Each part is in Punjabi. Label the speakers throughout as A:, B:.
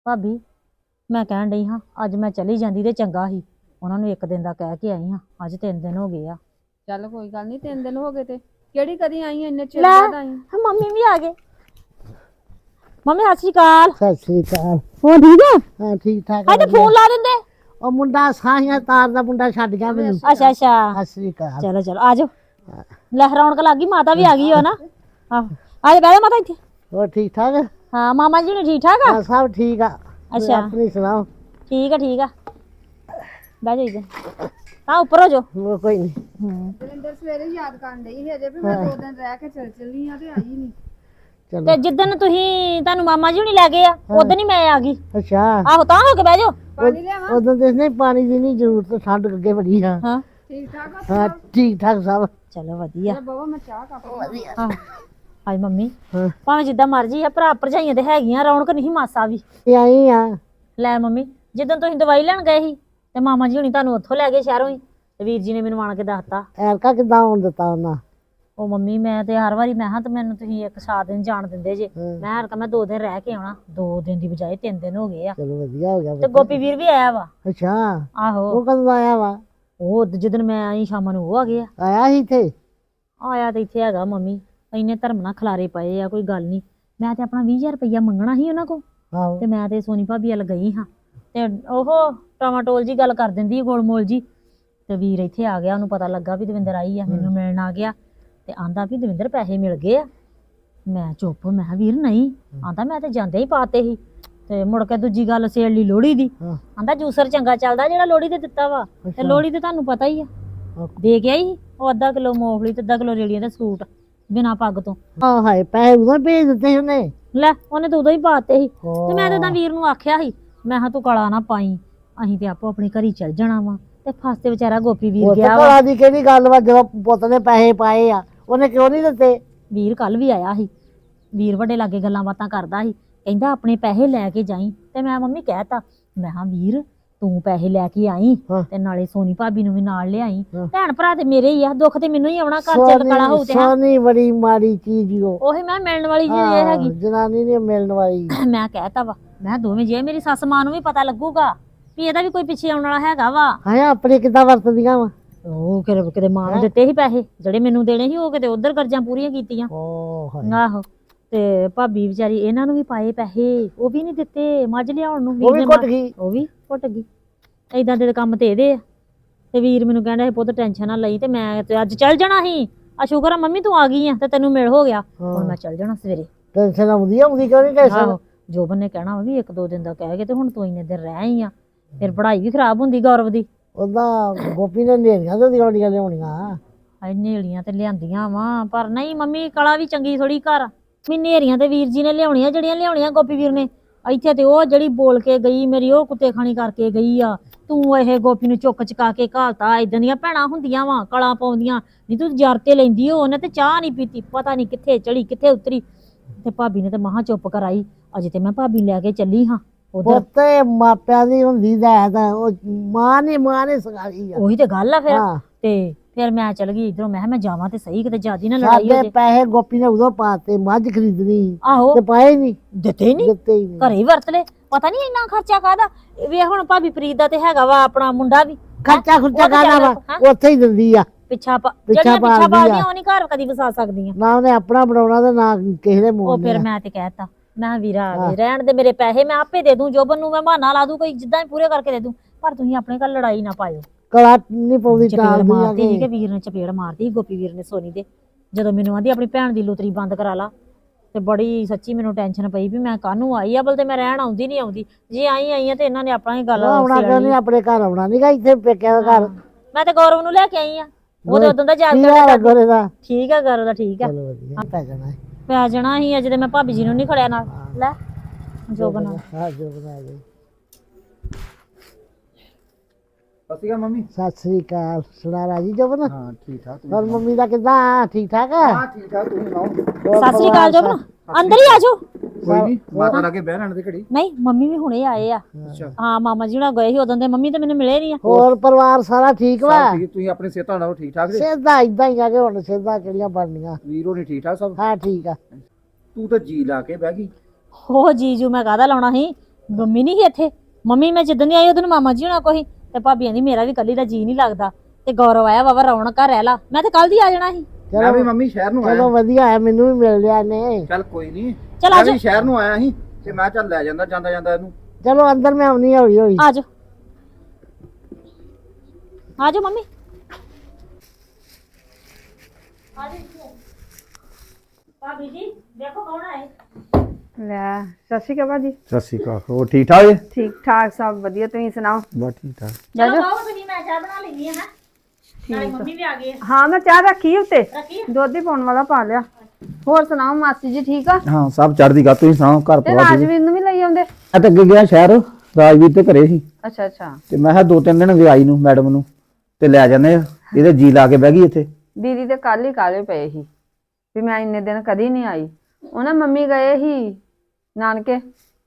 A: ਭਾਬੀ ਮੈਂ ਕਹਿਣ ਡਈ ਹਾਂ ਅੱਜ ਮੈਂ ਚਲੀ ਜਾਂਦੀ ਤੇ ਚੰਗਾ ਸੀ। ਉਹਨਾਂ ਨੂੰ ਇੱਕ ਦਿਨ ਦਾ ਕਹਿ ਕੇ ਆਈ ਹਾਂ, ਅੱਜ 3 ਦਿਨ ਹੋ ਗਏ ਆ।
B: ਚੱਲ ਕੋਈ ਗੱਲ ਨਹੀਂ 3 ਦਿਨ ਹੋ ਗਏ ਤੇ ਕਿਹੜੀ ਕਦੀ ਆਈ ਇੰਨੇ ਚਿਰ
A: ਲੈ
B: ਬਾਅਦ ਆਈ।
A: ਮੰਮੀ ਵੀ ਆ ਗਏ। ਮੰਮੀ ਸਤਿ ਸ਼੍ਰੀ ਅਕਾਲ।
C: ਸਤਿ ਸ੍ਰੀ ਅਕਾਲ।
A: ਹੋ ਠੀਕ ਆ?
C: ਹਾਂ ਠੀਕ ਠਾਕ
A: ਅੱਜ ਫੋਨ ਲਾ ਦਿੰਦੇ।
C: ਉਹ ਮੁੰਡਾ ਸਾਹੀਆਂ ਤਾਰ ਦਾ ਮੁੰਡਾ ਛੱਡ ਗਿਆ ਮੈਨੂੰ।
A: ਅੱਛਾ ਅੱਛਾ
C: ਸਤਿ ਸ੍ਰੀ ਅਕਾਲ।
A: ਚਲੋ ਚਲੋ ਆ ਜਾਓ। ਲੈ ਰੌਣਕ ਲੱਗ ਗਈ, ਮਾਤਾ ਵੀ ਆ ਗਈ ਹੋ ਨਾ। ਆਹ ਆ ਜਾ ਬਹਿ ਜਾ ਮਾਤਾ ਇੱਥੇ।
C: ਹੋਰ ਠੀਕ ਠਾਕ?
A: ਹਾਂ ਮਾਮਾ ਜੀ ਨੇ ਠੀਕ ਠਾਕ ਆ?
C: ਹਾਂ ਸਭ ਠੀਕ ਆ।
A: ਅੱਛਾ
C: ਆਪਣੀ ਸੁਣਾਓ?
A: ਠੀਕ ਆ ਠੀਕ ਆ। ਬਹਿ ਜਾ ਇੱਧਰ। ਹਾਂ ਉੱਪਰ ਹੋ ਜਾਓ।
C: ਹੋਰ ਕੋਈ ਨਹੀਂ।
B: ਦਲਿੰਦਰ ਸਵੇਰੇ ਯਾਦ ਕਰਨ ਡਈ ਸੀ ਅਜੇ ਵੀ ਮੈਂ 2 ਦਿਨ ਰਹਿ ਕੇ ਚੱਲੀ ਆ ਤੇ ਆਈ ਨਹੀਂ।
C: ਚਲੋ
A: ਤੇ ਜਿੱਦਣ ਤੁਹਾਨੂੰ ਮਾਮਾ ਜੀ ਹੁਣੀ ਲੈ ਗਏ ਆ ਉਦੋਂ ਹੀ ਮੈਂ ਆ ਗਈ।
C: ਅੱਛਾ
A: ਆਹੋ ਤਾਂ ਹੋ ਕੇ ਬਹਿ ਜਾਓ।
B: ਪਾਣੀ ਲਿਆਵਾਂ?
C: ਉਦੋਂ ਤੇ ਨਹੀਂ ਪਾਣੀ ਦੀ ਨਹੀਂ ਜ਼ਰੂਰਤ, ਠੰਡ ਅੱਗੇ ਬੜੀ ਆ।
A: ਹਾਂ
B: ਠੀਕ ਠਾਕ ਆ?
C: ਹਾਂ ਠੀਕ ਠਾਕ ਸਭ।
A: ਚਲੋ ਵਧੀਆ।
B: ਬਾਬਾ ਮੈਂ ਚਾਹ ਕੱਪ
A: ਹਾਂ ਹਾਏ ਮੰਮੀ
C: ਹਾਂ
A: ਭਾਵੇਂ ਜਿੱਦਾਂ ਮਰਜੀ ਆ, ਭਰਾ ਭਰਜਾਈਆਂ ਤੇ ਹੈਗੀਆਂ, ਰੌਣਕ ਨਹੀਂ ਮਾਸਾ ਵੀ।
C: ਤੇ ਆਈ ਆ।
A: ਲੈ ਮੰਮੀ ਜਿੱਦਣ ਤੁਸੀਂ ਦਵਾਈ ਲੈਣ ਗਏ ਸੀ ਤੇ ਮਾਮਾ ਜੀ ਹੁਣੀ ਤੁਹਾਨੂੰ ਉੱਥੋਂ ਲੈ ਗਏ ਸ਼ਹਿਰੋਂ ਹੀ, ਤੇ ਵੀਰ ਜੀ ਨੇ ਮੈਨੂੰ ਆਣ ਕੇ ਦੱਸਤਾ।
C: ਐਰਕਾ ਕਿੱਦਾਂ ਆਉਣ ਦਿੱਤਾ ਉਹਨਾਂ?
A: ਉਹ ਮੰਮੀ ਮੈਂ ਤੇ ਹਰ ਵਾਰੀ ਮੈਂ ਹਾਂ ਤੇ ਮੈਨੂੰ ਤੁਸੀਂ ਇੱਕ ਸਾਤ ਦਿਨ ਜਾਣ ਦਿੰਦੇ ਜੇ।
C: ਹਾਂ।
A: ਮੈਂ ਹਰ ਮੈਂ 2 ਦਿਨ ਰਹਿ ਕੇ ਆਉਣਾ, 2 ਦਿਨ ਦੀ ਬਜਾਏ 3 ਦਿਨ ਹੋ ਗਏ ਆ।
C: ਚਲੋ ਵਧੀਆ ਹੋ ਗਿਆ
A: ਤੇ
C: ਪੁੱਤ।
A: ਗੋਪੀ ਵੀਰ ਵੀ ਆਇਆ ਵਾ।
C: ਅੱਛਾ
A: ਆਹੋ
C: ਉਹ ਕਦੋਂ ਆਇਆ ਵਾ?
A: ਉਹ ਜਿੱਦਣ ਮੈਂ ਆਈ ਸ਼ਾਮਾਂ ਨੂੰ ਉਹ ਆ ਗਿਆ।
C: ਆਇਆ ਸੀ ਇੱਥੇ?
A: ਆਇਆ ਤੇ ਇੱਥੇ ਹੈਗਾ ਮੰਮੀ, ਇੰਨੇ ਧਰਮ ਨਾਲ ਖਲਾਰੇ ਪਏ ਆ, ਕੋਈ ਗੱਲ ਨਹੀਂ। ਮੈਂ ਤੇ ਆਪਣਾ 20,000 ਰੁਪਈਆ ਮੰਗਣਾ ਸੀ ਉਹਨਾਂ ਕੋਲ,
C: ਆਹੋ
A: ਤੇ ਮੈਂ ਤੇ ਸੋਨੀ ਭਾਬੀ ਵੱਲ ਗਈ ਹਾਂ ਤੇ ਉਹ ਟਮਾਟੋਲ ਜੀ ਗੱਲ ਕਰ ਦਿੰਦੀ ਗੋਲਮੋਲ ਜੀ। ਤੇ ਵੀਰ ਇੱਥੇ ਆ ਗਿਆ, ਉਹਨੂੰ ਪਤਾ ਲੱਗਾ ਵੀ ਦਵਿੰਦਰ ਆਈ ਆ, ਮੈਨੂੰ ਮਿਲਣ ਆ ਗਿਆ ਤੇ ਆਂਦਾ ਵੀ ਦਵਿੰਦਰ ਪੈਸੇ ਮਿਲ ਗਏ ਆ। ਮੈਂ ਚੁੱਪ, ਮੈਂ ਕਿਹਾ ਵੀਰ ਨਹੀਂ। ਆਂਦਾ ਮੈਂ ਤੇ ਜਾਂਦੇ ਹੀ ਪਾਤੇ ਸੀ। ਤੇ ਮੁੜ ਕੇ ਦੂਜੀ ਗੱਲ ਸੇਲ ਲਈ ਲੋਹੜੀ ਦੀ।
C: ਹਾਂ
A: ਆਂਦਾ ਜੂਸਰ ਚੰਗਾ ਚੱਲਦਾ ਜਿਹੜਾ ਲੋਹੜੀ ਤੇ ਦਿੱਤਾ ਵਾ, ਤੇ
C: ਅੱਛਾ।
A: ਲੋਹੜੀ ਤੇ ਤੁਹਾਨੂੰ ਪਤਾ ਹੀ ਆ
C: ਹਾਂ।
A: ਦੇ ਕੇ ਆਈ ਸੀ ਉਹ ਅੱਧਾ ਕਿਲੋ ਮੂੰਗਫਲੀ ਤੇ ਅੱਧਾ ਕਿਲੋ ਰੇੜੀਆਂ ਦਾ ਸੂਟ ਬਿਨਾਂ ਪੱਗ ਤੋਂ।
C: ਆਹ ਹਾਏ ਪੈਸੇ ਉਦੋਂ ਭੇਜ ਦਿੱਤੇ ਸੀ ਉਹਨੇ।
A: ਲੈ ਉਹਨੇ ਤਾਂ ਉਦੋਂ ਹੀ ਪਾਤੇ ਸੀ। ਤੇ ਮੈਂ ਤਾਂ ਵੀਰ ਨੂੰ ਆਖਿਆ ਸੀ, ਮੈਂ ਕਿਹਾ ਤੂੰ ਕਲਾ ਨਾ ਪਾਈ, ਅਸੀਂ ਤੇ ਆਪੋ ਆਪਣੀ ਘਰੀ ਚੱਲ ਜਾਣਾ ਵਾ। ਤੇ ਫਸਤੇ ਵਿਚਾਰਾ ਗੋਪੀ ਵੀਰ
C: ਉਹ ਤੇ
A: ਗਿਆ ਵਾ।
C: ਘਰਾਂ ਦੀ ਕਿਹੜੀ ਗੱਲ ਵਾ, ਜਦੋਂ ਪੁੱਤ ਨੇ ਪੈਸੇ ਪਾਏ ਆ ਉਹਨੇ ਕਿਉਂ ਨਹੀਂ ਦਿੱਤੇ?
A: ਵੀਰ ਕੱਲ ਵੀ ਆਇਆ ਸੀ, ਵੀਰ ਵੱਡੇ ਲਾਗੇ ਗੱਲਾਂ ਬਾਤਾਂ ਕਰਦਾ ਸੀ, ਕਹਿੰਦਾ ਆਪਣੇ ਪੈਸੇ ਲੈ ਕੇ ਜਾਈ। ਤੇ ਮੈਂ ਮੰਮੀ ਕਹਿਤਾ, ਮੈਂ ਕਿਹਾ ਵੀਰ ਤੂੰ ਪੈਸੇ ਲੈ ਕੇ ਆਈ
C: ਹਾਂ।
A: ਤੇ ਨਾਲੇ ਸੋਨੀ ਭਾਬੀ ਨੂੰ ਵੀ ਨਾਲ ਲਿਆਈ।
C: ਹਾਂ।
A: ਭੈਣ ਭਰਾ ਤੇ ਮੇਰੇ ਹੀ ਆ, ਦੁੱਖ ਤੇ ਮੈਨੂੰ ਹੀ ਆਉਣਾ, ਘਰ ਚ ਕਲਾ ਹੋਊ ਤੇ ਹਾਂ।
C: ਸੋਨੀ ਬੜੀ ਮਾੜੀ ਚੀਜ਼ ਈ ਉਹ।
A: ਉਹੀ ਮੈਂ ਮਿਲਣ ਵਾਲੀ ਜੀ ਇਹ ਹੈਗੀ।
C: ਜਨਾਨੀ ਨਹੀਂ ਮਿਲਣ ਵਾਲੀ।
A: ਮੈਂ ਕਹਿਤਾ ਵਾ, ਮੈਂ ਦੋਵੇਂ ਜੇ ਮੇਰੀ ਸੱਸ ਮਾਂ ਨੂੰ ਵੀ ਪਤਾ ਲੱਗੂਗਾ ਵੀ ਇਹਦਾ ਵੀ ਕੋਈ ਪਿੱਛੇ ਆਉਣ ਵਾਲਾ ਹੈਗਾ ਵਾ।
C: ਹਾਂ ਆਪਣੇ ਕਿੱਦਾਂ ਵਰਤਦੀਆਂ ਵਾ?
A: ਉਹ ਕਿਤੇ ਮਾਂ ਨੂੰ ਦਿੱਤੇ ਸੀ ਪੈਸੇ, ਜਿਹੜੇ ਮੈਨੂੰ ਦੇਣੇ ਸੀ ਉਹ ਕਿਤੇ ਉਧਰ ਕਰਜ਼ਾਂ ਪੂਰੀਆਂ ਕੀਤੀਆਂ।
C: ਓ ਹਾਏ
A: ਆਹੋ ਤੇ ਭਾਬੀ ਵਿਚਾਰੀ ਇਹਨਾਂ ਨੂੰ ਵੀ ਪਾਏ ਪੈਸੇ, ਉਹ ਵੀ ਨਹੀਂ ਦਿੱਤੇ ਮੱਝ ਲਿਆਉਣ ਨੂੰ।
C: ਉਹ ਵੀ ਘੁੱਟ ਗਈ।
A: ਉਹ ਵੀ ਘੁੱਟ ਗਈ। ਏਦਾਂ ਦੇ ਕੰਮ ਤੇ ਇਹਦੇ ਆ। ਤੇ ਵੀਰ ਮੈਨੂੰ ਕਹਿੰਦਾ ਸੀ ਪੁੱਤ ਟੈਨਸ਼ਨ ਨਾ ਲਈ, ਤੇ ਮੈਂ ਤੇ ਅੱਜ ਚੱਲ ਜਾਣਾ ਸੀ। ਆ ਸ਼ੁਕਰ ਆ ਮੰਮੀ ਤੂੰ ਆ ਗਈ ਆ ਤੇ ਤੈਨੂੰ ਮਿਲ ਹੋ ਗਿਆ। ਹੁਣ ਮੈਂ ਚੱਲ ਜਾਣਾ ਸਵੇਰੇ।
C: ਟੈਨਸ਼ਨ ਆਉਂਦੀ ਕਿਉਂ ਨਹੀਂ ਟੈਨਸ਼ਨ?
A: ਆਹੋ ਜੋਬਨ ਨੇ ਕਹਿਣਾ ਵਾ ਵੀ 1-2 ਦਿਨ ਦਾ ਕਹਿ ਕੇ ਤੇ ਹੁਣ ਤੂੰ ਇੰਨੇ ਦਿਨ ਰਹਿ ਆਈ ਆ, ਫਿਰ ਪੜ੍ਹਾਈ ਵੀ ਖਰਾਬ ਹੁੰਦੀ ਗੌਰਵ ਦੀ।
C: ਉਹਦਾ ਗੋਪੀ ਨੇ ਨੇਰੀਆਂ ਤੇ ਦਿਵਾਲੀਆਂ ਲਿਆਉਣੀਆਂ।
A: ਹਾਏ ਨੇੜੀਆਂ ਤੇ ਲਿਆਂਦੀਆਂ ਵਾ, ਪਰ ਨਹੀਂ ਮੰਮੀ ਕਲਾ ਵੀ ਚੰਗੀ ਥੋੜੀ ਘਰ। ਵੀ ਨੇਰੀਆਂ ਤੇ ਵੀਰ ਜੀ ਨੇ ਲਿਆਉਣੀਆਂ, ਜਿਹੜੀਆਂ ਲਿਆਉਣੀਆਂ ਗੋਪੀ ਵੀਰ ਨੇ। ਇੱਥੇ ਤੇ ਉਹ ਜਿਹੜੀ ਬੋਲ ਕੇ ਗਈ ਮੇਰੀ, ਉਹ ਕੁੱਤੇ ਖਾਣੀ ਕਰਕੇ ਗਈ ਆ। ਤੂੰ ਇਹ ਗੋਪੀ ਨੂੰ ਚੁੱਕ ਚਕਾ ਕੇ ਘਾਲਤਾ। ਏਦਾਂ ਦੀਆਂ ਭੈਣਾਂ ਹੁੰਦੀਆਂ ਵਾ, ਕਲਾ ਪਾਉਂਦੀਆਂ। ਨਹੀਂ ਤੂੰ ਜਰ ਤੇ ਲੈਂਦੀ ਹੋ, ਉਹਨੇ ਤੇ ਚਾਹ ਨਹੀਂ ਪੀਤੀ, ਪਤਾ ਨਹੀਂ ਕਿੱਥੇ ਚੜੀ ਕਿੱਥੇ ਉਤਰੀ। ਤੇ ਭਾਬੀ ਨੇ ਤੇ ਮਹਾ ਚੁੱਪ ਕਰਾਈ। ਅਜੇ ਤੇ ਮੈਂ ਭਾਬੀ ਲੈ ਕੇ ਚੱਲੀ ਹਾਂ ਉਧਰ।
C: ਪੁੱਤੇ ਮਾਪਿਆਂ ਦੀ ਹੁੰਦੀ ਦਾ ਤਾਂ ਉਹ ਮਾਂ ਨੇ ਸਿਖਾਈ ਆ।
A: ਉਹੀ ਤੇ ਗੱਲ ਆ ਫਿਰ।
C: ਹਾਂ।
A: ਤੇ ਫਿਰ ਮੈਂ ਚਲ ਗਈ ਇਧਰੋਂ, ਮੈਂ ਕਿਹਾ ਮੈਂ ਜਾਵਾਂ ਤੇ ਸਹੀ, ਕਿਤੇ ਜਿਆਦੀ ਨਾ ਲੜਾਈ ਹੋ
C: ਸਾਡੇ
A: ਜੇ।
C: ਪੈਸੇ ਗੋਪੀ ਨੇ ਉਦੋਂ ਪਾਤੇ, ਮੱਝ ਖਰੀਦਣੀ
A: ਆਹੋ
C: ਤੇ ਪਾਏ ਨਹੀਂ,
A: ਦਿੱਤੇ ਹੀ ਨਹੀਂ,
C: ਦਿੱਤੇ ਹੀ ਨਹੀਂ।
A: ਘਰੇ ਹੀ ਵਰਤ ਲੈ। ਪਤਾ ਨਹੀਂ ਇੰਨਾ ਖਰਚਾ ਕਾਹਦਾ। ਵੇ ਹੁਣ ਭਾਬੀ ਫਰੀਦ ਦਾ ਤੇ ਹੈਗਾ ਵਾ ਆਪਣਾ ਮੁੰਡਾ ਵੀ।
C: ਖਰਚਾ ਖੁਰਚਾ ਕਾਹਦਾ ਵਾ, ਉੱਥੇ ਹੀ ਦਿੰਦੀ ਆ।
A: ਪਿੱਛਾ
C: ਪਿੱਛਾ
A: ਪਾਲਦੀਆਂ ਉਹ ਨਹੀਂ ਘਰ ਕਦੀ ਵਸਾ ਸਕਦੀਆਂ।
C: ਨਾ ਉਹਨੇ ਆਪਣਾ ਬਣਾਉਣਾ ਤੇ ਨਾ ਕਿਸੇ ਦੇ
A: ਉਹ
C: ਮੋੜ।
A: ਫਿਰ ਮੈਂ ਤੇ ਕਹਿਤਾ, ਮੈਂ ਕਿਹਾ ਵੀਰਾ ਆ ਗਏ ਰਹਿਣ ਦੇ, ਮੇਰੇ ਪੈਸੇ ਮੈਂ ਆਪੇ ਦੇ ਦੂੰ, ਜੋਬਨ ਨੂੰ ਮੈਂ ਬਹਾਨਾ ਲਾ ਦੂੰ, ਕੋਈ ਜਿੱਦਾਂ ਹੀ ਪੂਰੇ ਕਰਕੇ ਦੇ ਦੂੰ, ਪਰ ਤੁਸੀਂ ਆਪਣੇ ਘਰ ਲੜਾਈ ਨਾ ਪਾਇਓ।
C: ਕਲਾ ਨਹੀਂ ਪਾਉਂਦੀ
A: ਚਪੇੜ
C: ਟਾਲਦੀ ਆ
A: ਮਾਰਦੀ ਸੀ
C: ਕੇ।
A: ਕਿ ਵੀਰ ਨੇ ਚਪੇੜ ਮਾਰਦੀ ਸੀ ਗੋਪੀ ਵੀਰ ਨੇ ਸੋਨੀ ਦੇ, ਜਦੋਂ ਮੈਨੂੰ ਆਂਦੀ ਆਪਣੀ ਭੈਣ ਦੀ ਲੁਤਰੀ ਬੰਦ ਕਰਾ ਲਾ। ਤੇ ਬੜੀ ਸੱਚੀ ਮੈਨੂੰ ਟੈਨਸ਼ਨ ਪਈ ਵੀ ਮੈਂ ਕਾਹਨੂੰ ਆਈ ਆ, ਬਲ ਤੇ ਮੈਂ ਰਹਿਣ ਆਉਂਦੀ ਨਹੀਂ ਆਉਂਦੀ। ਜੇ ਆਈ ਆ ਤੇ ਇਹਨਾਂ ਨੇ ਆਪਣਾ ਹੀ ਗੱਲ
C: ਆਉਣਾ ਕਿਉਂ ਨਹੀਂ, ਆਪਣੇ ਘਰ ਆਉਣਾ ਨਹੀਂਗਾ, ਇੱਥੇ ਪੇਕਿਆਂ ਦਾ ਘਰ।
A: ਮੈਂ ਤੇ ਗੌਰਵ ਨੂੰ ਲੈ ਕੇ ਆਈ ਆ, ਉਹਦੇ ਉਦੋਂ ਦਾ ਯਾਦ
C: ਕੀ
A: ਕਰਦਾ।
C: ਹਾਲ ਆ ਗੋਰੇ ਦਾ?
A: ਠੀਕ ਆ ਗੌਰਵ ਦਾ, ਠੀਕ ਆ।
C: ਚਲੋ ਵਧੀਆ, ਪੈ ਜਾਣਾ ਹੈ।
A: ਪੈ ਜਾਣਾ ਸੀ ਅਜੇ ਤੇ ਮੈਂ ਭਾਬੀ ਜੀ ਨੂੰ ਨਹੀਂ ਖੜਿਆ ਨਾਲ। ਲੈ ਜੋਬਨ
C: ਹਾਂ ਜੋ ਬਣਾ ਗਈ।
D: ਸਤਿ ਸ਼੍ਰੀ ਅਕਾਲ ਮੰਮੀ।
C: ਸਤਿ ਸ੍ਰੀ ਅਕਾਲ। ਸੁਣਾ ਰਾਜੀ ਜੋਬਨ?
D: ਹਾਂ ਠੀਕ ਠਾਕ ਤੁਸੀਂ
C: ਹੋਰ ਮੰਮੀ ਦਾ ਕਿੱਦਾਂ? ਠੀਕ ਠਾਕ ਆ?
D: ਹਾਂ ਠੀਕ ਠਾਕ ਤੁਸੀਂ ਸੁਣਾਓ?
A: ਸਤਿ ਸ੍ਰੀ ਅਕਾਲ ਜੋਬਨ, ਅੰਦਰ ਹੀ ਆ ਜਾਓ।
D: ਕੋਈ ਨਹੀਂ ਮਾਤਾ ਲਾਗੇ ਬਹਿ ਰਹਿਣ ਦੇ ਘੜੀ।
A: ਨਹੀਂ ਮੰਮੀ ਵੀ ਹੁਣੇ ਆਏ ਆ।
D: ਅੱਛਾ
A: ਹਾਂ ਮਾਮਾ ਜੀ ਨਾਲ ਗਏ ਸੀ ਉਦੋਂ ਦੇ, ਮੰਮੀ ਤੇ ਮੈਨੂੰ ਮਿਲੇ ਨਹੀਂ ਆ।
C: ਹੋਰ ਪਰਿਵਾਰ ਸਾਰਾ ਠੀਕ ਵਾ?
D: ਸਭ ਠੀਕ, ਤੁਸੀਂ ਆਪਣੀ ਸਿਹਤਾਂ ਨਾਲ ਠੀਕ ਠਾਕ ਜੀ?
C: ਸਿੱਧਾ ਇਦਾਂ ਹੀ ਆ ਕਿ ਹੁਣ ਸਿੱਧਾ ਕਿਹੜੀਆਂ ਬਣਨੀਆਂ।
D: ਵੀਰੋ ਨਹੀਂ ਠੀਕ ਠਾਕ ਸਭ?
C: ਹਾਂ ਠੀਕ ਆ।
D: ਤੂੰ ਤਾਂ ਜੀ ਲਾ ਕੇ ਬਹਿ ਗਈ।
A: ਹੋ ਜੀਜੂ ਮੈਂ ਕਾਹਦਾ ਲਾਉਣਾ ਸੀ, ਮੰਮੀ ਨਹੀਂ ਸੀ ਇੱਥੇ। ਮੰਮੀ ਮੈਂ ਜਿੱਦਣ ਦੀ ਆਈ ਉਦੋਂ ਮਾਮਾ ਜੀ ਹੋਣਾ ਕੋਈ ਤੇ ਭਾਬੀ ਕਹਿੰਦੀ ਮੇਰਾ ਵੀ ਕੱਲੀ ਦਾ ਜੀ ਨਹੀਂ ਲੱਗਦਾ ਤੇ ਗੌਰਵ ਆਇਆ ਵਾ ਰੌਣਕ ਘਰ ਰਹਿ ਲਾ। ਮੈਂ ਤੇ ਕੱਲ ਦੀ ਆ ਜਾਣਾ ਸੀ।
D: ਮੈਂ ਵੀ ਮੰਮੀ ਸ਼ਹਿਰ ਨੂੰ
C: ਚਲੋ
D: ਆਇਆ।
C: ਵਧੀਆ ਹੈ, ਮੈਨੂੰ ਵੀ ਮਿਲ ਲਿਆ ਨੇ।
D: ਚੱਲ ਕੋਈ ਨਹੀਂ,
A: ਚਲ
D: ਮੈਂ
A: ਆਜੋ
D: ਵੀ ਸ਼ਹਿਰ ਨੂੰ ਆਇਆ ਸੀ ਤੇ ਮੈਂ ਚੱਲ ਲੈ ਜਾਂਦਾ ਜਾਂਦਾ ਜਾਂਦਾ ਇਹਨੂੰ।
C: ਚਲੋ ਅੰਦਰ ਮੈਂ ਆਉਣੀ ਹੌਲੀ ਹੌਲੀ।
A: ਆਜੋ ਆਜੋ ਮੰਮੀ ਆਜੋ। ਭਾਬੀ ਜੀ ਦੇਖੋ ਕੌਣ ਆਏ।
B: ਲੈ ਸਤਿ ਸ਼੍ਰੀ ਅਕਾਲ ਭਾਜੀ।
D: ਸਤਿ ਸ਼੍ਰੀ ਅਕਾਲ, ਹੋਰ ਠੀਕ ਠਾਕ ਜੀ?
B: ਠੀਕ ਠਾਕ ਸਭ ਵਧੀਆ, ਤੁਸੀਂ ਸੁਣਾਓ?
D: ਬਸ ਠੀਕ ਠਾਕ।
A: ਚਲੋ ਬਾਹਰ ਤੁਸੀਂ ਮੈਂ ਚਾਹ ਬਣਾ ਲੈਣੀ ਹੈ ਨਾ। ਨਾਲੇ ਮੰਮੀ ਵੀ ਆ ਗਏ ਆ।
B: ਹਾਂ ਮੈਂ ਚਾਹ ਰੱਖੀ ਉੱਤੇ,
A: ਰੱਖੀ ਆ?
B: ਦੁੱਧ ਹੀ ਪਾਉਣ ਵਾਲਾ ਪਾ ਲਿਆ। ਹੋਰ ਸੁਣਾਓ ਮਾਸੀ ਜੀ ਠੀਕ ਆ?
D: ਹਾਂ ਸਭ ਚੜ੍ਹਦੀ ਗੱਲ। ਤੁਸੀਂ ਸੁਣਾਓ ਘਰ
B: ਤੇ
D: ਪਰਿਵਾਰ ਠੀਕ?
B: ਰਾਜਵੀਰ ਨੂੰ ਵੀ ਲਈ ਆਉਂਦੇ?
D: ਮੈਂ ਤਾਂ ਅੱਗੇ ਗਿਆ ਸ਼ਹਿਰ, ਰਾਜਵੀਰ ਤੇ ਘਰੇ ਸੀ
B: ਅੱਛਾ ਅੱਛਾ।
D: ਤੇ ਮੈਂ ਕਿਹਾ 2-3 ਦਿਨ ਗਏ ਆਈ ਨੂੰ ਮੈਡਮ ਨੂੰ ਤੇ ਲੈ ਜਾਂਦੇ ਆ। ਇਹਦੇ ਜੀ ਲਾ ਕੇ ਬਹਿ ਗਈ ਇੱਥੇ।
B: ਦੀਦੀ ਤੇ ਕੱਲ ਹੀ ਕਾਲੇ ਪਏ ਸੀ ਵੀ ਮੈਂ ਇੰਨੇ ਦਿਨ ਕਦੀ ਨਹੀਂ ਆਈ। ਉਹਨਾਂ ਮੰਮੀ ਗਏ ਸੀ ਨਾਨਕੇ,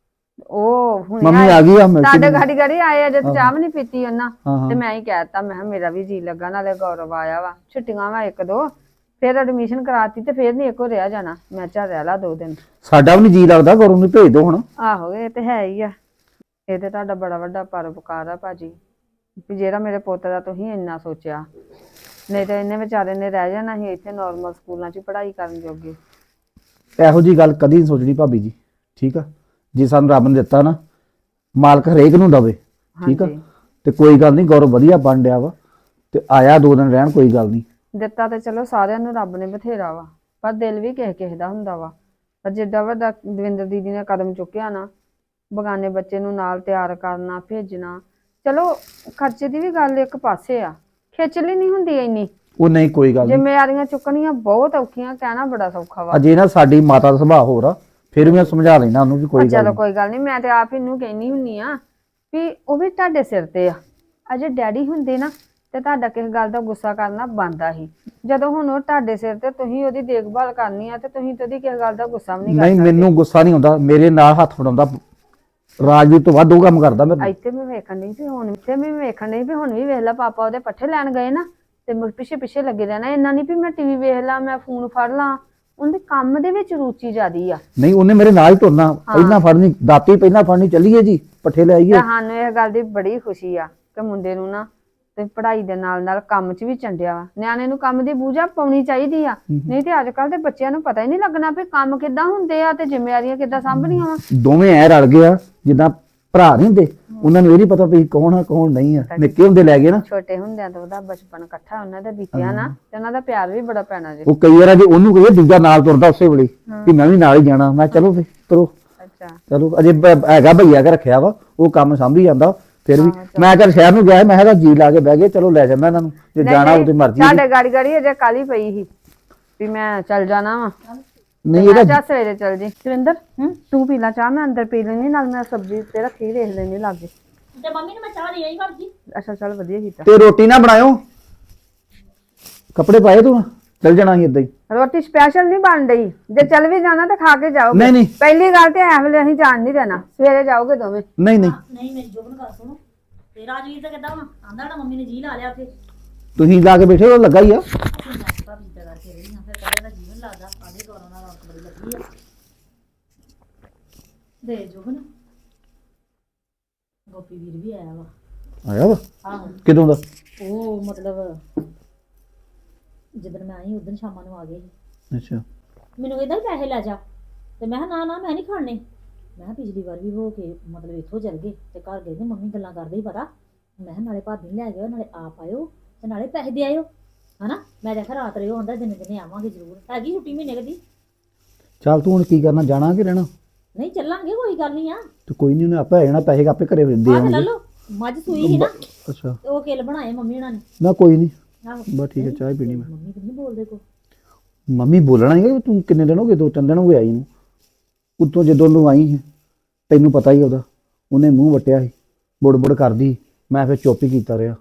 B: ਉਹ ਹੁਣ
D: ਮੰਮੀ ਆ ਗਈ ਆ ਮਿਲ ਕੇ
B: ਸਾਡੇ ਗਾੜੀ ਗਾੜੀ ਆਏ ਅਜੇ ਤੇ ਚਾਹ ਵੀ ਨਹੀਂ ਪੀਤੀ ਉਹਨਾਂ।
D: ਹਾਂ
B: ਤੇ
D: ਹਾਂ
B: ਮੈਂ ਹੀ ਕਹਿਤਾ, ਮੈਂ ਕਿਹਾ ਮੇਰਾ ਵੀ ਜੀ ਲੱਗਾ, ਨਾਲੇ ਗੌਰਵ ਆਇਆ ਵਾ, ਛੁੱਟੀਆਂ ਵਾ 1-2, ਫਿਰ ਐਡਮਿਸ਼ਨ ਕਰਾਤੀ ਤੇ ਫਿਰ ਨਹੀਂ ਇੱਕੋ ਰਿਹਾ ਜਾਣਾ। ਮੈਂ ਚੱਲ ਰਹਿ ਲਾ 2 ਦਿਨ।
D: ਸਾਡਾ ਵੀ ਨੀ ਜੀ ਲੱਗਦਾ, ਗੌਰਵ ਨੂੰ ਭੇਜ ਦੋ ਹੁਣ।
B: ਆਹੋ ਇਹ ਤੇ ਹੈ ਹੀ ਆ। ਇਹ ਤੇ ਤੁਹਾਡਾ ਬੜਾ ਵੱਡਾ ਪਰਉਪਕਾਰ ਆ ਭਾਜੀ, ਵੀ ਜਿਹੜਾ ਮੇਰੇ ਪੁੱਤ ਦਾ ਤੁਸੀਂ ਇੰਨਾ ਸੋਚਿਆ। ਨਹੀਂ ਤਾਂ ਇਹਨੇ ਵਿਚਾਰੇ ਨੇ ਰਹਿ ਜਾਣਾ ਸੀ ਇੱਥੇ ਨਾਰਮਲ ਸਕੂਲਾਂ 'ਚ ਪੜ੍ਹਾਈ ਕਰਨ ਜੋਗੇ।
D: ਇਹੋ ਜੀ ਗੱਲ ਕਦੀ ਨਹੀਂ ਸੋਚਣੀ ਭਾਬੀ ਜੀ, ਠੀਕ ਆ? ਜੇ ਸਾਨੂੰ ਰੱਬ ਨੇ ਦਿੱਤਾ ਨਾ, ਮਾਲਕ ਹਰੇਕ ਨੂੰ ਦਵੇ, ਠੀਕ ਆ?
B: ਹਾਂਜੀ।
D: ਤੇ ਕੋਈ ਗੱਲ ਨਹੀਂ, ਗੌਰਵ ਵਧੀਆ ਬਣ ਡਿਆ ਵਾ ਤੇ ਆਇਆ 2 ਦਿਨ ਰਹਿਣ, ਕੋਈ ਗੱਲ ਨਹੀਂ।
B: ਦਿੱਤਾ ਤੇ ਚਲੋ ਸਾਰਿਆਂ ਨੂੰ ਰੱਬ ਨੇ ਬਥੇਰਾ ਵਾ, ਪਰ ਦਿਲ ਵੀ ਕਿਸੇ ਕਿਸੇ ਦਾ ਹੁੰਦਾ ਵਾ। ਪਰ ਜਿੱਡਾ ਵੱਡਾ ਦਵਿੰਦਰ ਦੀਦੀ ਨੇ ਕਦਮ ਚੁੱਕਿਆ ਨਾ, ਬਗਾਨੇ ਬੱਚੇ ਨੂੰ ਨਾਲ ਤਿਆਰ ਕਰਨਾ ਭੇਜਣਾ, ਚਲੋ ਖਰਚੇ ਦੀ ਵੀ ਗੱਲ ਇੱਕ ਪਾਸੇ ਆ, ਖੇਚਲੀ ਨਹੀਂ ਹੁੰਦੀ ਇੰਨੀ।
D: ਉਹ ਨਹੀਂ ਕੋਈ ਗੱਲ ਨਹੀਂ।
B: ਜ਼ਿੰਮੇਵਾਰੀਆਂ ਚੁੱਕਣੀਆਂ ਬਹੁਤ ਔਖੀਆਂ, ਕਹਿਣਾ ਬੜਾ ਸੌਖਾ ਵਾ।
D: ਅਜੇ ਨਾ ਸਾਡੀ ਮਾਤਾ ਦਾ ਸੁਭਾਅ ਹੋਰ ਆ, ਫਿਰ ਵੀ ਮੈਂ ਸਮਝਾ ਲੈਣਾ ਉਹਨੂੰ ਵੀ ਕੋਈ ਗੱਲ
B: ਚਲੋ
D: ਨਹੀਂ।
B: ਕੋਈ ਗੱਲ ਨਹੀਂ, ਮੈਂ ਤੇ ਆਪ ਇਹਨੂੰ ਕਹਿਨੀ ਹੁੰਨੀ ਆ ਵੀ ਉਹ ਵੀ ਤੁਹਾਡੇ ਸਿਰ ਤੇ ਆ। ਅਜੇ ਡੈਡੀ ਹੁੰਦੇ ਨਾ ਤੇ ਤੁਹਾਡਾ ਕਿਸੇ ਗੱਲ ਦਾ ਗੁੱਸਾ ਕਰਨਾ ਬਣਦਾ ਸੀ। ਜਦੋਂ ਹੁਣ ਉਹ ਤੁਹਾਡੇ ਸਿਰ ਤੇ, ਤੁਸੀਂ ਉਹਦੀ ਦੇਖਭਾਲ ਕਰਨੀ ਆ ਤੇ ਤੁਸੀਂ ਤੇ ਉਹਦੀ ਕਿਸੇ ਗੱਲ ਦਾ ਗੁੱਸਾ ਵੀ ਨਹੀਂ ਕਰ
D: ਨਹੀਂ ਮੈਨੂੰ ਗੁੱਸਾ ਨਹੀਂ ਆਉਂਦਾ, ਮੇਰੇ ਨਾਲ ਹੱਥ ਫੜਾਉਂਦਾ ਰਾਜਵੀਰ ਤੋਂ ਵੱਧ ਉਹ ਕੰਮ ਕਰਦਾ ਮੇਰੇ।
B: ਇੱਥੇ ਮੈਂ ਵੇਖਣ ਨਹੀਂ ਵੀ ਹੁਣ, ਇੱਥੇ ਵੀ ਵੇਖਣ ਨਹੀਂ ਵੀ ਹੁਣ ਵੀ ਵੇਖ ਲਾ, ਪਾਪਾ ਉਹਦੇ ਪੱਠੇ ਲੈਣ ਗਏ ਨਾ ਤੇ ਪਿੱਛੇ ਪਿੱਛੇ ਲੱਗੇ ਰਹਿਣਾ। ਇੰਨਾ ਨਹੀਂ ਵੀ ਮੈਂ ਟੀਵੀ ਵੇਖ ਲਾਂ, ਮੈਂ ਫੋਨ ਫੜ ਲਾਂ। ਉਹਦੇ ਕੰਮ ਦੇ ਵਿੱਚ ਰੁਚੀ ਜ਼ਿਆਦੀ ਆ।
D: ਨਹੀਂ ਉਹਨੇ ਮੇਰੇ ਨਾਲ ਹੀ ਤੁਰਨਾ, ਪਹਿਲਾਂ ਫੜਨੀ ਦਾਤੀ, ਪਹਿਲਾਂ ਫੜਨੀ, ਚੱਲੀਏ ਜੀ ਪੱਠੇ ਲੈ ਆਈਏ।
B: ਤੇ ਸਾਨੂੰ ਇਹ ਗੱਲ ਦੀ ਬੜੀ ਖੁਸ਼ੀ ਆ ਕਿ ਮੁੰਡੇ ਨੂੰ ਨਾ ਤੇ ਪੜ੍ਹਾਈ ਦੇ ਨਾਲ ਨਾਲ ਕੰਮ 'ਚ ਵੀ ਚੰਡਿਆ ਵਾ। ਨਿਆਣੇ ਨੂੰ ਕੰਮ ਦੀ ਬੂਝਾ ਪਾਉਣੀ ਚਾਹੀਦੀ ਆ, ਨਹੀਂ ਤੇ ਅੱਜ ਕੱਲ ਦੇ ਬੱਚਿਆਂ ਨੂੰ ਪਤਾ ਹੀ ਨਹੀਂ ਲੱਗਣਾ ਵੀ ਕੰਮ ਕਿੱਦਾਂ ਹੁੰਦੇ ਆ ਤੇ ਜ਼ਿੰਮੇਵਾਰੀਆਂ ਕਿੱਦਾਂ ਸਾਂਭਣੀਆਂ ਵਾ।
D: ਦੋਵੇਂ ਐ ਰਲ ਗਏ ਆ ਜਿੱਦਾਂ ਭਰਾ ਨਹੀਂ ਹੁੰਦੇ। ਉਹਨਾਂ ਨੂੰ ਇਹ ਨਹੀਂ ਪਤਾ ਵੀ ਕੌਣ ਆ ਕੌਣ ਨਹੀਂ ਆ। ਨਿੱਕੇ ਹੁੰਦੇ ਲੈ ਗਏ ਨਾ,
B: ਛੋਟੇ ਹੁੰਦਿਆਂ ਤੋਂ ਉਹਦਾ ਬਚਪਨ ਇਕੱਠਾ ਉਹਨਾਂ ਦਾ ਬੀਤਿਆ ਨਾ, ਤੇ ਉਹਨਾਂ ਦਾ ਪਿਆਰ ਵੀ ਬੜਾ ਪੈਣਾ ਜੀ।
D: ਉਹ ਕਈ ਵਾਰ ਜੇ ਉਹਨੂੰ ਕਹੀਏ ਦੂਜਾ ਨਾਲ ਤੁਰਦਾ ਉਸੇ ਵੇਲੇ ਵੀ ਮੈਂ ਵੀ ਨਾਲ ਹੀ ਜਾਣਾ। ਮੈਂ ਚਲੋ ਫਿਰ ਤੁਰੋ,
B: ਅੱਛਾ
D: ਚਲੋ ਅਜੇ ਹੈਗਾ ਭਈਆ ਕੇ ਰੱਖਿਆ ਵਾ, ਉਹ ਕੰਮ ਸਾਂਭੀ ਜਾਂਦਾ। ਫਿਰ ਵੀ ਮੈਂ ਚੱਲ ਸ਼ਹਿਰ ਨੂੰ ਗਿਆ, ਮੈਂ ਕਿਹਾ ਜੀ ਲਾ ਕੇ ਬਹਿ ਗਏ, ਚਲੋ ਲੈ ਜਾਂਦਾ ਇਹਨਾਂ ਨੂੰ, ਜੇ ਜਾਣਾ ਉਹਦੀ ਮਰਜ਼ੀ।
B: ਸਾਡੇ ਗਾੜੀ ਗਾੜੀ ਅਜੇ ਕਾਲੀ ਪਈ ਸੀ ਵੀ ਮੈਂ ਚੱਲ ਜਾਣਾ ਵਾ।
D: ਨਹੀਂ
B: ਮੈਂ
D: ਇਹਦਾ
B: ਚਾਹ ਸਵੇਰੇ ਚੱਲ ਜੀ। ਸੁਰਿੰਦਰ ਤੂੰ ਪੀ ਲਾ ਚਾਹ, ਮੈਂ ਅੰਦਰ ਪੀ ਲੈਣੀ, ਨਾਲ ਮੈਂ ਸਬਜ਼ੀ ਤੇ ਰੱਖੀ ਵੇਖ ਲੈਣੀ ਲਾਗੇ।
A: ਤੇ ਮੰਮੀ ਨੂੰ ਮੈਂ ਚਾਹ ਦੇ ਆਈ ਭਾਬੀ।
B: ਅੱਛਾ ਚੱਲ ਵਧੀਆ ਕੀਤਾ।
D: ਤੇ ਰੋਟੀ ਨਾ ਬਣਾਇਓ, ਕੱਪੜੇ ਪਾਏ ਤੂੰ, ਚੱਲ ਜਾਣਾ ਸੀ ਏਦਾਂ ਹੀ।
B: ਰੋਟੀ ਸਪੈਸ਼ਲ ਨਹੀਂ ਬਣ ਰਹੀ, ਜੇ ਚੱਲ ਵੀ ਜਾਣਾ ਤਾਂ ਖਾ ਕੇ ਜਾਓਗੇ।
D: ਨਹੀਂ ਨਹੀਂ
B: ਪਹਿਲੀ ਗੱਲ ਤੇ ਐ ਵੇਲੇ ਅਸੀਂ ਜਾਣ ਨਹੀਂ ਦੇਣਾ, ਸਵੇਰੇ ਜਾਓਗੇ ਦੋਵੇਂ।
D: ਨਹੀਂ ਨਹੀਂ
A: ਨਹੀਂ ਮੇਰੀ ਜੋਬਨ ਗੱਲ ਸੁਣੋ, ਤੇ ਰਾਜਵੀਰ ਤਾਂ ਕਿੱਦਾਂ ਵਾ ਆਂਦਾ ਨਾ ਮੰਮੀ ਨੇ ਜੀ ਲਾ ਲਿਆ ਉੱਥੇ।
D: ਤੁਸੀਂ ਲਾ ਕੇ ਬੈਠੇ ਹੋ, ਲੱਗਾ ਹੀ ਆ।
A: ਭਾਬੀ ਦਾ ਕਰਕੇ ਰਹੀ ਹਾਂ, ਫਿਰ ਕਹਿੰਦਾ ਦਾ ਜੀਵਨ ਲੱਗਦਾ ਆਦੇ ਕੋਲੋਂ ਨਾਲ ਰੌਣਕ ਬੜੀ ਲੱਗੀ ਆ। ਦੇ ਜੋਬਨ ਗੋਪੀ ਵੀਰ ਵੀ ਆਇਆ ਵਾ।
D: ਆਇਆ ਵਾ
A: ਆਹੋ
D: ਕਿਦੋਂ ਦਾ?
A: ਉਹ ਮਤਲਬ ਜਦੋਂ ਮੈਂ ਆਈ ਉਦੋਂ ਸ਼ਾਮਾਂ ਨੂੰ ਆ ਗਏ ਸੀ।
D: ਅੱਛਾ
A: ਮੈਨੂੰ ਕਹਿੰਦਾ ਸੀ ਪੈਸੇ ਲੈ ਜਾ, ਤੇ ਮੈਂ ਕਿਹਾ ਨਾ ਮੈਂ ਨਹੀਂ ਖਾਣੇ। ਮੈਂ ਕਿਹਾ ਪਿਛਲੀ ਵਾਰ ਵੀ ਹੋ ਕੇ ਮਤਲਬ ਇੱਥੋਂ ਚੱਲ ਗਏ ਤੇ ਘਰ ਗਏ ਤੇ ਮੰਮੀ ਗੱਲਾਂ ਕਰਦੇ ਹੀ ਪਤਾ। ਮੈਂ ਕਿਹਾ ਨਾਲੇ ਭਾਬੀ ਨੂੰ ਲੈ ਜਾਓ, ਨਾਲੇ ਆਪ ਆਇਓ ਤੇ ਨਾਲੇ ਪੈਸੇ ਦੇ ਆਇਓ, ਹਨਾ। ਮੈਂ ਦੇਖਿਆ ਰਾਤ ਰਿਓ ਹੁੰਦਾ, ਦਿਨੇ ਦਿਨੇ ਆਵਾਂਗੇ ਜ਼ਰੂਰ। ਹੈਗੀ ਛੁੱਟੀ ਮਹੀਨੇ ਕਦੀ।
D: ਚੱਲ ਤੂੰ ਹੁਣ ਕੀ ਕਰਨਾ, ਜਾਣਾ ਕਿ ਰਹਿਣਾ?
A: ਨਹੀਂ ਚੱਲਾਂਗੇ, ਕੋਈ ਗੱਲ ਨਹੀਂ ਆ।
D: ਤੇ ਕੋਈ ਨਹੀਂ, ਉਹਨੇ ਆਪੇ ਆ ਜਾਣਾ, ਪੈਸੇ ਆਪੇ ਘਰੇ ਦੇ
A: ਆਹ ਲੈ
D: ਆਉਣਗੇ।
A: ਲਓ, ਮੱਝ ਸੂਈ ਸੀ ਨਾ
D: ਅੱਛਾ
A: ਤੇ ਉਹ ਕਿੱਲ ਬਣਾਏ ਮੰਮੀ ਉਹਨਾਂ ਨੇ।
D: ਨਾ ਕੋਈ ਨਹੀਂ,
A: ਆਹੋ
D: ਬਸ ਠੀਕ ਹੈ, ਚਾਹ ਪੀਣੀ ਮੈਂ।
A: ਮੰਮੀ ਤੇ ਨਹੀਂ ਬੋਲਦੇ ਕੋ।
D: ਮੰਮੀ ਬੋਲਣਾ ਹੀ ਹੈ। ਤੂੰ ਕਿੰਨੇ ਦਿਨ ਹੋ ਗਏ? 2-3 ਦਿਨ ਹੋ ਗਏ ਆਈ ਨੂੰ। ਉੱਤੋਂ ਜਦੋਂ ਨੂੰ ਆਈ ਹੈ ਤੈਨੂੰ ਪਤਾ ਹੀ ਉਹਦਾ, ਉਹਨੇ ਮੂੰਹ ਵਟਿਆ ਸੀ, ਬੁੜ ਕਰਦੀ। ਮੈਂ ਫਿਰ ਚੁੱਪ ਹੀ ਕੀਤਾ ਰਿਹਾ।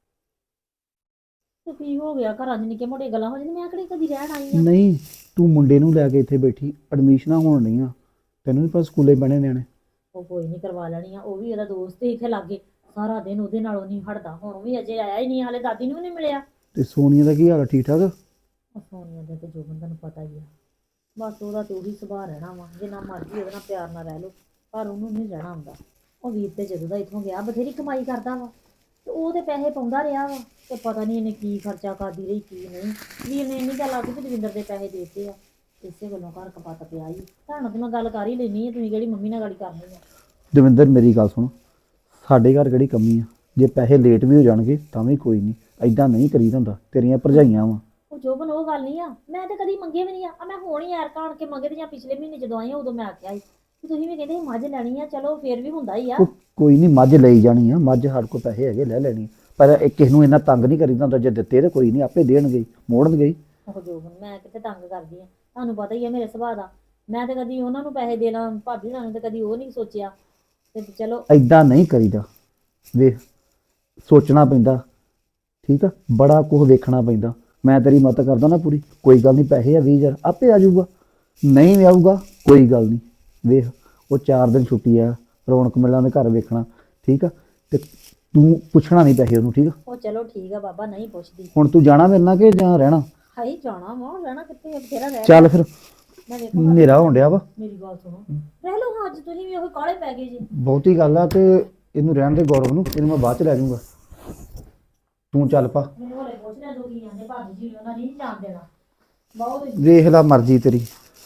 A: ਤੇ ਕੀ ਹੋ ਗਿਆ, ਘਰਾਂ 'ਚ ਨਿੱਕੇ ਮੋਟੇ ਗੱਲਾਂ ਹੋ ਜਾਂਦੀਆਂ। ਮੈਂ ਕਿਹੜੀ ਕਦੀ ਰਹਿਣ ਆਈ ਆ।
D: ਨਹੀਂ ਤੂੰ ਮੁੰਡੇ ਨੂੰ ਲੈ ਕੇ ਇੱਥੇ ਬੈਠੀ, ਐਡਮਿਸ਼ਨਾਂ ਹੋਣ ਨਹੀਂ ਆ, ਤੈਨੂੰ ਨਹੀਂ ਪਤਾ ਸਕੂਲੇ ਬਣੇ ਨਿਆਣੇ।
A: ਉਹ ਕੋਈ ਨਹੀਂ ਕਰਵਾ ਲੈਣੀ ਆ, ਉਹ ਵੀ ਉਹਦਾ ਦੋਸਤ ਹੀ ਇੱਥੇ ਲਾਗੇ, ਸਾਰਾ ਦਿਨ ਉਹਦੇ ਨਾਲੋਂ ਨਹੀਂ ਹਟਦਾ। ਹੁਣ ਵੀ ਅਜੇ ਆਇਆ ਹੀ ਨਹੀਂ, ਹਾਲੇ ਦਾਦੀ ਨੂੰ ਵੀ ਨਹੀਂ ਮਿਲਿਆ।
D: ਤੇ ਸੋਨੀਆ ਦਾ ਕੀ ਹਾਲ ਆ, ਠੀਕ ਠਾਕ?
A: ਉਹ ਸੋਨੀਆ ਦਾ ਤੇ ਜੋਬਨ ਤੁਹਾਨੂੰ ਪਤਾ ਹੀ ਆ, ਬਸ ਉਹਦਾ ਤੇ ਉਹੀ ਸੁਭਾਅ ਰਹਿਣਾ ਵਾ। ਜਿੰਨਾ ਮਰਜ਼ੀ ਉਹਦੇ ਨਾਲ ਪਿਆਰ ਨਾਲ ਰਹਿ ਲਓ, ਪਰ ਉਹਨੂੰ ਨਹੀਂ ਰਹਿਣਾ ਹੁੰਦਾ। ਉਹ ਵੀਰ ਤੇ ਜਦੋਂ ਦਾ ਇੱਥੋਂ ਗਿਆ ਬਥੇਰੀ ਕਮਾਈ ਕਰਦਾ ਵਾ ਤੇ ਉਹ ਤੇ ਪੈਸੇ ਪਾਉਂਦਾ ਰਿਹਾ ਵਾ ਤੇ ਪਤਾ ਨਹੀਂ ਇਹਨੇ ਕੀ ਖਰਚਾ ਕਰਦੀ ਰਹੀ ਕੀ ਨਹੀਂ। ਵੀਰ ਨੇ ਇੰਨੀ ਗੱਲ ਆਖੀ ਵੀ ਦਵਿੰਦਰ ਦੇ ਪੈਸੇ ਦੇਤੇ ਆ, ਇਸੇ ਗੱਲੋਂ ਘਰ ਕਪੱਤ ਪਿਆ ਹੀ। ਤੁਹਾਨੂੰ ਤੇ ਮੈਂ ਗੱਲ ਕਰ ਹੀ ਲੈਣੀ ਆ, ਤੁਸੀਂ ਕਿਹੜੀ ਮੰਮੀ ਨਾਲ ਗੱਲ ਕਰਨੀ ਆ।
D: ਦਵਿੰਦਰ ਮੇਰੀ ਗੱਲ ਸੁਣ, ਸਾਡੇ ਘਰ ਕਿਹੜੀ ਕਮੀ ਆ, ਜੇ ਪੈਸੇ ਲੇਟ ਵੀ ਹੋ ਜਾਣਗੇ ਤਾਂ ਵੀ ਕੋਈ ਨਹੀਂ, ਐਦਾਂ ਨਹੀਂ ਕਰੀਦਾ ਹੁੰਦਾ। ਤੇਰੀਆਂ ਭਰਜਾਈਆਂ ਵਾ।
A: ਉਹ ਜੋਬਨ ਉਹ ਗੱਲ ਨਹੀਂ ਆ, ਮੈਂ ਤੇ ਕਦੀ ਮੰਗੇ ਵੀ ਨਹੀਂ ਆ। ਮੈਂ ਹੁਣ ਹੀ ਯਾਰ ਕਾਣ ਕੇ ਮੰਗੇ ਤੇ ਜਾਂ ਪਿਛਲੇ ਮਹੀਨੇ ਜਦੋਂ ਆਈ ਆ ਉਦੋਂ ਮੈਂ ਆਖਿਆ ਸੀ ਕਿ ਤੁਸੀਂ ਵੀ ਕਹਿੰਦੇ ਸੀ ਮੱਝ ਲੈਣੀ ਆ, ਚਲੋ ਫੇਰ ਵੀ ਹੁੰਦਾ ਹੀ ਆ।
D: ਉਹ ਕੋਈ ਨਹੀਂ, ਮੱਝ ਲਈ ਜਾਣੀ ਆ, ਮੱਝ ਸਾਡੇ ਕੋਲ ਪੈਸੇ ਹੈਗੇ ਲੈ ਲੈਣੀ, ਪਰ ਇਹ ਕਿਸੇ ਨੂੰ ਇੰਨਾ ਤੰਗ ਨਹੀਂ ਕਰੀਦਾ ਹੁੰਦਾ। ਜੇ ਦਿੱਤੇ ਤਾਂ ਕੋਈ ਨਹੀਂ, ਆਪੇ ਦੇਣਗੇ ਮੋੜਨਗੇ ਹੀ।
A: ਉਹ ਜੋਬਨ ਮੈਂ ਕਿਤੇ ਤੰਗ ਕਰਦੀ ਆ, ਤੁਹਾਨੂੰ ਪਤਾ ਹੀ ਆ ਮੇਰੇ ਸੁਭਾਅ ਦਾ। ਮੈਂ ਤੇ ਕਦੀ ਉਹਨਾਂ ਨੂੰ ਪੈਸੇ ਦੇ ਲਾਂ, ਭਾਬੀ ਹੋਣਾ ਨੂੰ ਤੇ ਕਦੀ ਉਹ ਨਹੀਂ ਸੋਚਿਆ। ਤੇ ਚਲੋ
D: ਐਦਾਂ ਨਹੀਂ ਕਰੀਦਾ, ਵੇਖ ਸੋਚਣਾ ਪੈਂਦਾ, ਠੀਕ ਆ, ਬੜਾ ਕੁਝ ਵੇਖਣਾ ਪੈਂਦਾ। ਮੈਂ ਤੇਰੀ ਮਦਦ ਕਰਦਾ ਨਾ ਪੂਰੀ, ਕੋਈ ਗੱਲ ਨਹੀਂ, ਪੈਸੇ ਆ 20,000 ਆਪੇ ਆ ਜਾਊਗਾ, ਨਹੀਂ ਵੀ ਆਊਗਾ ਕੋਈ ਗੱਲ ਨਹੀਂ। ਵੇਖ ਉਹ 4 ਦਿਨ ਛੁੱਟੀ ਆ, ਰੌਣਕ ਮੇਲਾ ਦੇ ਘਰ ਵੇਖਣਾ, ਠੀਕ ਆ, ਤੇ ਤੂੰ ਪੁੱਛਣਾ ਨਹੀਂ ਪੈਸੇ ਉਹਨੂੰ, ਠੀਕ ਆ।
A: ਉਹ ਚਲੋ ਠੀਕ ਆ ਬਾਬਾ, ਨਹੀਂ ਪੁੱਛਦੀ।
D: ਹੁਣ ਤੂੰ ਜਾਣਾ ਮੇਰੇ ਨਾਲ ਕਿ ਜਾਂ ਰਹਿਣਾ?
A: ਹਾਈ ਜਾਣਾ ਵਾ, ਰਹਿਣਾ ਕਿੱਥੇ, ਬਥੇਰਾ ਰਹਿ।
D: ਚੱਲ ਫਿਰ,
A: ਮੈਂ ਵੇਖੋ
D: ਹਨੇਰਾ ਹੋਣ ਡਿਆ ਵਾ।
A: ਮੇਰੀ ਗੱਲ ਸੁਣੋ, ਰਹਿ ਲਓ ਹਾਂ, ਅੱਜ ਤੁਸੀਂ ਵੀ ਉਹ ਕਾਲੇ ਪੈ ਗਏ ਜੀ।
D: ਬਹੁਤੀ ਗੱਲ ਆ, ਤੇ ਇਹਨੂੰ ਰਹਿਣ ਦੇ ਗੌਰਵ ਨੂੰ, ਇਹਨੂੰ ਮੈਂ ਬਾਅਦ ਚ ਲੈ ਜਾਊਂਗਾ। ਤੂੰ ਚੱਲ ਪਾ,
A: ਮੈਨੂੰ ਹਲੇ ਪੁੱਛ ਰਿਹਾ ਦੋ ਕੀ ਜਾਂਦੇ ਭਾਬੀ ਜੀ ਉਹਨਾਂ ਨਹੀਂ ਜਾਣ ਦੇਣਾ ਬਹੁਤ।
D: ਵੇਖ ਲਾ ਮਰਜ਼ੀ ਤੇਰੀ।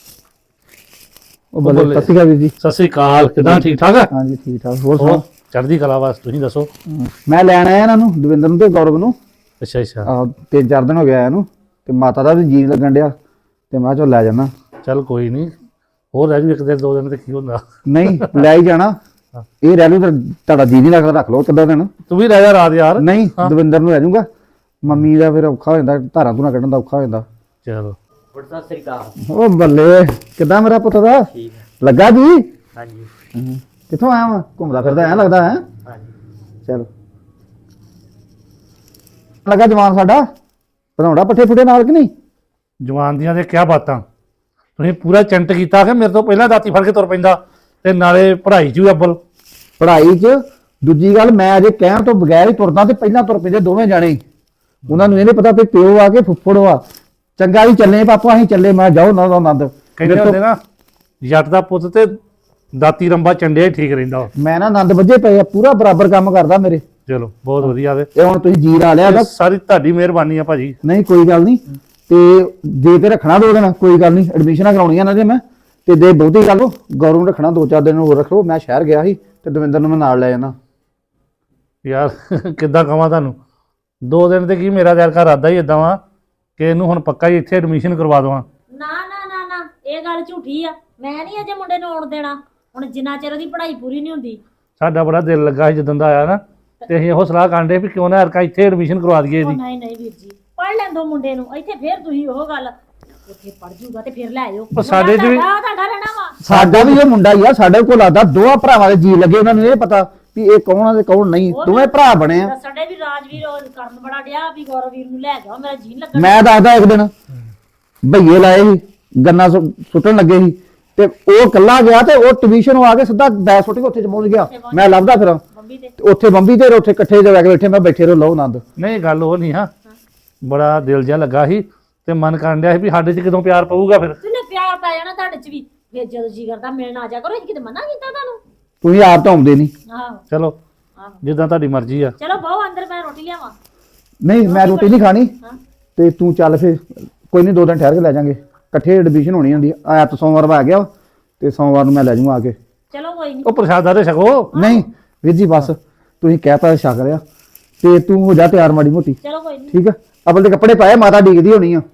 D: ਉਹ ਬੱਲੇ, ਸਤਿ ਸ਼੍ਰੀ ਅਕਾਲ ਵੀਰ ਜੀ।
E: ਸਤਿ ਸ੍ਰੀ ਅਕਾਲ, ਕਿਦਾਂ ਠੀਕ ਠਾਕ ਆ?
D: ਹਾਂਜੀ ਠੀਕ ਠਾਕ, ਹੋਰ
E: ਹੋਰ
D: ਸੁਣਾਓ?
E: ਚੜ੍ਹਦੀ ਕਲਾ ਬਸ, ਤੁਸੀਂ ਦੱਸੋ।
D: ਮੈਂ ਲੈਣ ਆਇਆ ਇਹਨਾਂ ਨੂੰ, ਦਵਿੰਦਰ ਨੂੰ ਤੇ ਗੌਰਵ ਨੂੰ।
E: ਅੱਛਾ ਅੱਛਾ,
D: 3-4 ਦਿਨ ਹੋ ਗਿਆ ਇਹਨੂੰ, ਤੇ ਮਾਤਾ ਦਾ ਵੀ ਜੀ ਨੀ ਲੱਗਣ ਡਿਆ, ਤੇ ਮੈਂ ਕਿਹਾ ਚੱਲ ਲੈ ਜਾਣਾ।
E: ਚੱਲ ਕੋਈ ਨਹੀਂ, ਹੋਰ ਰਹਿ ਜੂ ਇੱਕ ਦਿਨ ਦੋ ਦਿਨ ਤੇ ਕੀ ਹੁੰਦਾ।
D: ਨਹੀਂ ਲੈ ਹੀ ਜਾਣਾ, ਇਹ ਰਹਿ ਲੂ, ਤੁਹਾਡਾ ਜੀ ਨਹੀਂ ਲੱਗਦਾ ਰੱਖ ਲਓ ਕਿੱਦਾਂ ਦਿਨ।
E: ਤੂੰ ਵੀ ਰਹਿ ਜਾ ਰਾਤ ਯਾਰ।
D: ਨਹੀਂ ਦਵਿੰਦਰ ਨੂੰ ਲੈ ਜਾਊਂਗਾ, ਮੰਮੀ ਦਾ ਫਿਰ ਔਖਾ ਹੋ ਜਾਂਦਾ, ਧਾਰਾਂ ਧੂਰਾਂ ਕੱਢਣ ਦਾ ਔਖਾ ਹੋ ਜਾਂਦਾ।
E: ਚਲੋ
F: ਸਤਿ ਸ੍ਰੀ ਅਕਾਲ।
D: ਉਹ ਬੱਲੇ, ਕਿੱਦਾਂ ਮੇਰਾ ਪੁੱਤ ਦਾ
F: ਠੀਕ ਹੈ।
D: ਲੱਗਾ ਜੀ?
F: ਹਾਂਜੀ
D: ਕਿੱਥੋਂ ਆਇਆ ਵਾ? ਘੁੰਮਦਾ ਫਿਰਦਾ ਐ ਲੱਗਦਾ ਹੈ।
F: ਹਾਂਜੀ।
D: ਚਲ ਲੱਗਾ ਜਵਾਨ ਸਾਡਾ, ਬਣਾਉਣਾ ਪੱਠੇ ਪੁੱਠੇ ਨਾਲ ਕਿ ਨਹੀਂ?
E: ਜਵਾਨ ਦੀਆਂ ਤੇ ਕਿਆ ਬਾਤਾਂ, ਤੁਸੀਂ ਪੂਰਾ ਚੰਟ ਕੀਤਾ ਕਿ ਮੇਰੇ ਤੋਂ ਪਹਿਲਾਂ ਦਾਤੀ ਫੜ ਕੇ ਤੁਰ ਪੈਂਦਾ, ਤੇ ਨਾਲੇ ਪੜ੍ਹਾਈ 'ਚ ਵੀ ਅੱਬਲ।
D: ਪੜ੍ਹਾਈ 'ਚ ਦੂਜੀ ਗੱਲ, ਮੈਂ ਅਜੇ ਕਹਿਣ ਤੋਂ ਬਗੈਰ ਹੀ ਤੁਰਦਾ, ਤੇ ਪਹਿਲਾਂ ਤੁਰ ਪੈਂਦੇ ਦੋਵੇਂ ਜਾਣੇ। ਉਹਨਾਂ ਨੂੰ ਇਹ ਨਹੀਂ ਪਤਾ ਵੀ ਪਿਓ ਆ ਕੇ ਫੁੱਫੜ ਆ। ਚੰਗਾ ਵੀ ਚੱਲੇ ਪਾਪਾ, ਅਸੀਂ ਚੱਲੇ। ਮੈਂ ਜਾਓ ਨਾ ਆਨੰਦ।
E: ਕਹਿੰਦੇ ਹੁੰਦੇ ਨਾ, ਜੱਟ ਦਾ ਪੁੱਤ ਤੇ ਦਾਤੀ ਰੰਬਾ ਚੰਡਿਆ ਹੀ ਠੀਕ ਰਹਿੰਦਾ ਵਾ।
D: ਮੈਂ ਨਾ ਆਨੰਦ ਵੱਜੇ ਪਏ ਆ, ਪੂਰਾ ਬਰਾਬਰ ਕੰਮ ਕਰਦਾ ਮੇਰੇ।
E: ਚਲੋ ਬਹੁਤ ਵਧੀਆ ਵੇ,
D: ਇਹ ਹੁਣ ਤੁਸੀਂ ਜੀ ਲਾ ਲਿਆ
E: ਇਹ
D: ਬਸ।
E: ਸਾਰੀ ਤੁਹਾਡੀ ਮਿਹਰਬਾਨੀ ਆ ਭਾਜੀ।
D: ਨਹੀਂ ਕੋਈ ਗੱਲ ਨਹੀਂ, ਤੇ ਜੇ ਤੇ ਰੱਖਣਾ 2 ਦਿਨ ਕੋਈ ਗੱਲ ਨਹੀਂ, ਐਡਮਿਸ਼ਨਾਂ ਕਰਾਉਣੀਆਂ ਨਾ ਜੇ ਮੈਂ, ਤੇ ਦੇ ਬਹੁਤੀ ਗੱਲ ਉਹ ਗੌਰਵ ਨੂੰ ਰੱਖਣਾ 2-4 ਦਿਨ ਹੋਰ ਰੱਖੋ। ਮੈਂ ਸ਼ਹਿਰ ਗਿਆ ਸੀ, ਤੇ ਦਵਿੰਦਰ ਨੂੰ ਮੈਂ ਨਾਲ ਲੈ ਜਾਣਾ।
E: ਯਾਰ ਕਿੱਦਾਂ ਕਵਾਂ ਤੁਹਾਨੂੰ, 2 ਦਿਨ ਤੇ ਕੀ, ਮੇਰਾ ਦਿਲ ਘਰ ਆਦਾ ਹੀ ਇਦਾਂ ਵਾ ਕਿ ਇਹਨੂੰ ਹੁਣ ਪੱਕਾ ਹੀ ਇੱਥੇ ਐਡਮਿਸ਼ਨ ਕਰਵਾ ਦਵਾਂ।
A: ਨਾ ਨਾ ਨਾ ਨਾ, ਇਹ ਗੱਲ ਝੂਠੀ ਆ। ਮੈਂ ਨਹੀਂ ਅਜੇ ਮੁੰਡੇ ਨੂੰ ਆਉਣ ਦੇਣਾ, ਹੁਣ ਜਿੰਨਾ ਚਿਰ ਉਹਦੀ ਪੜ੍ਹਾਈ ਪੂਰੀ ਨਹੀਂ ਹੁੰਦੀ।
E: ਸਾਡਾ ਬੜਾ ਦਿਲ ਲੱਗਾ ਸੀ ਜਦੋਂ ਦਾ ਆਇਆ ਨਾ, ਤੇ ਅਸੀਂ ਇਹੋ ਸਲਾਹ ਕਰਦੇ ਵੀ ਕਿਉਂ ਨਾ ਅਰਕਾ ਇੱਥੇ ਐਡਮਿਸ਼ਨ ਕਰਵਾ ਦਈਏ
A: ਉਹ
E: ਇਹਦੀ।
A: ਨਹੀਂ ਨਹੀਂ ਵੀਰ ਜੀ, ਪੜ੍ਹ ਲੈਣ ਦੋ ਮੁੰਡੇ ਨੂੰ ਇੱਥੇ, ਫੇਰ ਤੁਸੀਂ ਉਹ ਗੱਲ, ਉੱਥੇ ਪੜ੍ਹ ਜੂਗਾ ਤੇ ਫਿਰ ਲੈ ਆਇਓ।
E: ਉਹ ਸਾਡੇ 'ਚ ਵੀ
A: ਤੁਹਾਡਾ ਰਹਿਣਾ ਵਾ।
D: ਸਾਡਾ ਵੀ ਇਹ ਮੁੰਡਾ ਹੀ ਆ, ਸਾਡੇ ਕੋਲ ਆਦਾ 2 ਭਰਾਵਾਂ ਦੇ ਜੀ ਲੱਗੇ। ਉਹਨਾਂ ਨੂੰ ਇਹ ਪਤਾ ਵੀ ਇਹ ਕੌਣ ਆ ਤੇ ਕੌਣ ਨਹੀਂ, ਦੋਵੇਂ ਭਰਾ ਬਣੇ ਆ।
A: ਸਾਡੇ ਵੀ ਰਾਜਵੀਰ ਉਹ ਕਰਨ ਬੜਾ ਡਿਆ ਵੀ ਗੌਰਵ ਵੀਰ ਨੂੰ ਲੈ ਜਾਓ, ਮੇਰਾ ਜੀ ਨੀ ਲੱਗਣ।
D: ਮੈਂ ਦੱਸਦਾ, ਇੱਕ ਦਿਨ ਭਈਏ ਲਾਏ ਸੀ, ਗੰਨਾ ਸੁੱਟਣ ਲੱਗੇ ਸੀ, ਤੇ ਉਹ ਕੱਲਾ ਗਿਆ, ਤੇ ਉਹ ਟਿਊਸ਼ਨ ਆ ਕੇ ਸਿੱਧਾ ਬੈਗ ਸੁੱਟ ਕੇ ਉੱਥੇ ਪਹੁੰਚ ਗਿਆ। ਮੈਂ ਲੱਭਦਾ ਫਿਰ
A: ਬੰਬੀ ਤੇ
D: ਉੱਥੇ ਬੰਬੀ ਤੇ ਉੱਥੇ ਇਕੱਠੇ ਜਗ੍ਹਾ ਕੇ ਬੈਠੇ। ਮੈਂ ਬੈਠੇ ਰਹੋ, ਲਓ ਆਨੰਦ।
E: ਨਹੀਂ ਗੱਲ ਉਹ ਨਹੀਂ ਹਾਂ, ਬੜਾ ਦਿਲ ਜਿਹਾ ਲੱਗਾ ਸੀ, ਤੇ ਮਨ ਕਰਨ ਡਿਆ ਸੀ ਵੀ ਸਾਡੇ 'ਚ ਕਦੋਂ ਪਿਆਰ ਪਊਗਾ ਫਿਰ।
A: ਤੁਸੀਂ ਪਿਆਰ ਪੈ ਜਾਣਾ ਤੁਹਾਡੇ ਚ ਵੀ, ਫਿਰ ਜਦੋਂ ਜੀ ਕਰਦਾ ਮਿਲਣ ਆ ਜਾ ਕਰੋ। ਅਸੀਂ ਕਿਤੇ ਮਨਾ ਕੀਤਾ ਤੁਹਾਨੂੰ?
D: ਤੁਸੀਂ ਆਪ ਤਾਂ ਆਉਂਦੇ ਨਹੀਂ।
A: ਆਹੋ
E: ਚਲੋ
A: ਆਹੋ,
E: ਜਿੱਦਾਂ ਤੁਹਾਡੀ ਮਰਜ਼ੀ ਆ।
A: ਚਲੋ ਬਹੁ ਅੰਦਰ, ਮੈਂ ਰੋਟੀ ਲਿਆਵਾਂ।
D: ਨਹੀਂ ਮੈਂ ਰੋਟੀ ਨਹੀਂ ਖਾਣੀ,
A: ਹਾਂ
D: ਤੇ ਤੂੰ ਚੱਲ ਫਿਰ, ਕੋਈ ਨਹੀਂ 2 ਦਿਨ ਠਹਿਰ ਕੇ ਲੈ ਜਾਾਂਗੇ। ਇਕੱਠੇ ਐਡਮਿਸ਼ਨ ਹੋਣੀ ਹੁੰਦੀ ਆ। ਐਤ ਸੋਮਵਾਰ ਆ ਗਿਆ, ਤੇ ਸੋਮਵਾਰ ਨੂੰ ਮੈਂ ਲੈ ਜਾਊਂਗਾ ਆ ਕੇ।
A: ਚਲੋ ਕੋਈ ਨਹੀਂ।
E: ਉਹ ਪ੍ਰਸ਼ਾਦਾ ਤੇ ਛਕੋ।
D: ਨਹੀਂ ਵੀਰ ਜੀ ਬਸ, ਤੁਸੀਂ ਕਹਿਤਾ ਛਕ ਲਿਆ, ਤੇ ਤੂੰ ਹੋ ਜਾ ਤਿਆਰ ਮਾੜੀ ਮੋਟੀ,
A: ਚਲੋ ਕੋਈ ਨਹੀਂ।
D: ਠੀਕ ਆ? ਅਬਲ ਦੇ ਕੱਪੜੇ ਪਾਏ, ਮਾਤਾ ਡੀਕਦੀ ਹੋਣੀ ਆ।